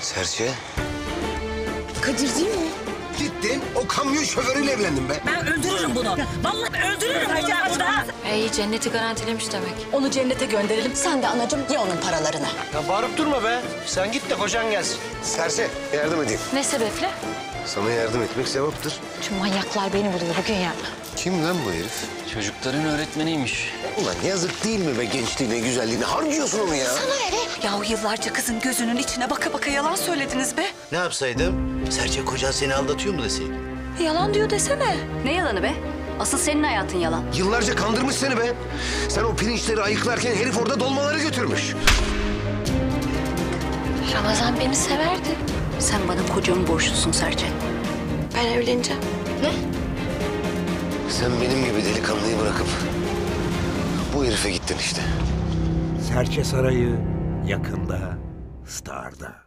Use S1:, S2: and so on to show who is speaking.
S1: Serçe.
S2: Kadir değil mi?
S1: Gittin o kamyon şoförüyle evlendin be.
S3: Ben öldürürüm bunu. Vallahi öldürürüm bunu ben burada.
S4: İyi cenneti garantilemiş demek.
S2: Onu cennete gönderelim. Sen de anacığım ye onun paralarını.
S5: Ya bağırıp durma be. Sen git de kocan gelsin.
S1: Serçe yardım edeyim.
S4: Ne sebeple?
S1: Sana yardım etmek sevaptır.
S4: Şu manyaklar beni buluyor bugün ya.
S1: Kim lan bu herif?
S5: Çocukların öğretmeniymiş.
S1: Ulan yazık değil mi be gençliğine, güzelliğine? Harcıyorsun onu ya.
S3: Yahu yıllarca kızın gözünün içine baka baka yalan söylediniz be.
S6: Ne yapsaydım? Serçe kocan seni aldatıyor mu deseydim?
S4: Yalan diyor desene.
S7: Ne yalanı be? Asıl senin hayatın yalan.
S1: Yıllarca kandırmış seni be. Sen o pirinçleri ayıklarken herif orada dolmaları götürmüş.
S4: Ramazan beni severdi.
S7: Sen bana kocamı borçlusun Serçe.
S4: Ben evleneceğim.
S1: Sen benim gibi delikanlıyı bırakıp bu herife gittin işte.
S8: Serçe Sarayı yakında Star'da.